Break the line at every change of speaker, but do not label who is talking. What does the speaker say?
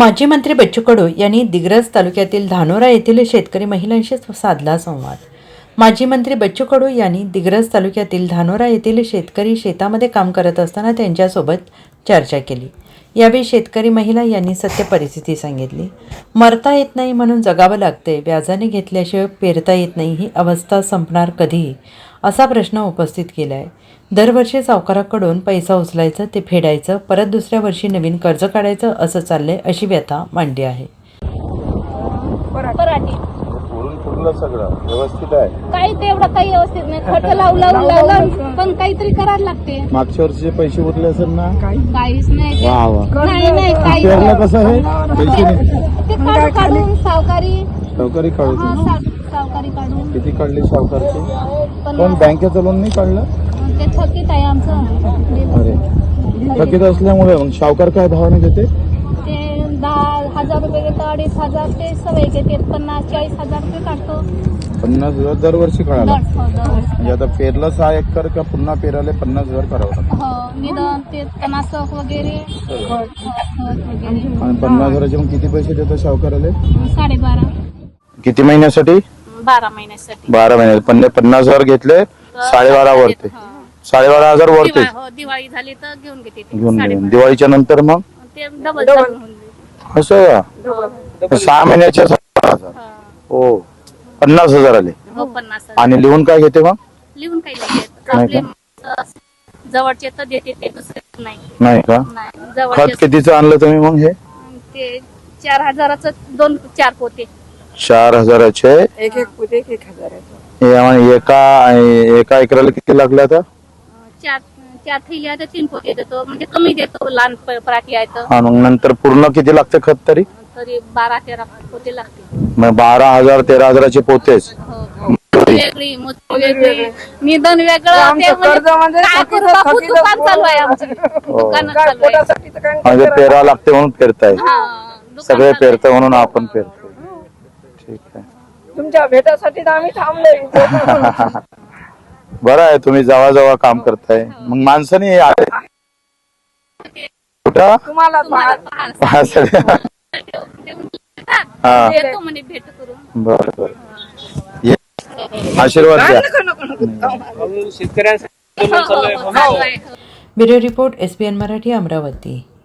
माजी मंत्री बच्चू कडू यांनी दिग्रस तालुक्यातील धानोरा येथील शेतकरी महिलांशी साधला संवाद. माजी मंत्री बच्चू कडू यांनी दिग्रस तालुक्यातील धानोरा येथील शेतकरी शेतामध्ये काम करत असताना त्यांच्यासोबत चर्चा केली. यावेळी शेतकरी महिला यांनी सत्य परिस्थिती सांगितली. मरता येत नाही म्हणून जगावं लागते, व्याजाने घेतल्याशिवाय पेरता येत नाही, ही अवस्था संपणार कधी, असा प्रश्न उपस्थित केला आहे. दरवर्षी सावकाराकडून पैसा उचलायचं, ते फेडायचं, परत दुसऱ्या वर्षी नवीन कर्ज काढायचं, असं चाललंय, अशी व्यथा मांडली आहे.
पराठी
पूर्ण सगळं व्यवस्थित आहे.
काही तेवढं काही व्यवस्थित नाही. खर्च लावला पण काहीतरी करायला लागते.
मागच्या वर्षीचे पैसे उरले असेल ना?
काहीच नाही.
वा वा.
नाही काही
पेरलं कसं आहे? पैसे नाही.
ते काढून सावकारी
सावकारी काढू.
सावकारी काढून
किती काढली सावकारची?
पण
पण बँकेचं लोन नाही काढलं?
ते थकीत आहे आमचं.
अरे थकीत असल्यामुळे मग सावकार काय भावाने घेते?
ते 10,000 रुपये घेतो, 2,500 ते सवय घेते. 50-40,000 रुपये काढतो.
50,000 दरवर्षी काढायला.
दरवर्षी.
म्हणजे आता पेरलं 6 एकर का पुन्हा पेरायला 50,000 करावं लागतं?
हो, निदान ते तणासक वगैरे खत वगैरे.
आणि 50,000चे मग किती पैसे देतात सावकाराला?
12.5.
किती महिन्यासाठी?
12 महिन्यासाठी.
12 महिने. 50,000 घेतले, 12.5 वरते. 12,500 वरते
हो, दिवाळी झाली तर घेऊन घेते ते.
घेऊन गेले. दिवाळीच्या नंतर मग
ते डबल होऊन जाईल.
असं का? 6 महिन्याच्या 12,000. हो, 50,000 आले.
हो, 50,000.
आणि लिहून काय घेते मग?
लिहून काही नाही देत.
नाही
आपले जवळचे तर देते, ते दुसरे नाही.
नाही का?
नाही,
खत
जवळचे
कितीचं आणलं तुम्ही मग? हे
ते 4,000चं 2-4 पोते.
4,000चे
एक पोते 1,000.
हे आणि एका एकराला किती लागले आता?
4 थैल्या तर 3 पोते देतो, म्हणजे कमी देतो. लहान पराठी आहे तर.
हा, मग नंतर पूर्ण किती लागते खत तरी?
तरी 12-13 पोते लागते.
मग 12,000 13,000चे पोतेच.
हो. वेगळी मोठी वेगळी, निधन वेगळं.
आमचं
ते म्हणजे
कर्ज म्हणजे
काय करू बापू, दुकान चालू आहे आमचं. दुकान
काय
चालू आहे.
पोटासाठी तर काय
म्हणजे पेरा लागते म्हणून पेरताय.
हा, दुकान
सगळे
चालू आहे.
पेरताय म्हणून आपण पेरतो. ठीक आहे.
तुमच्या भेटासाठी तर आम्ही थांबलोय.
बरं आहे, तुम्ही जवळ काम करताय. मग माणसाने कुठं
तुम्हाला
तुम्हाला
हा,
येतो म्हणे भेट करून.
बरं बरं. ये. आशीर्वाद द्या.
हो, हो, हो.
Bureau report, SBN Marathi, Amravati.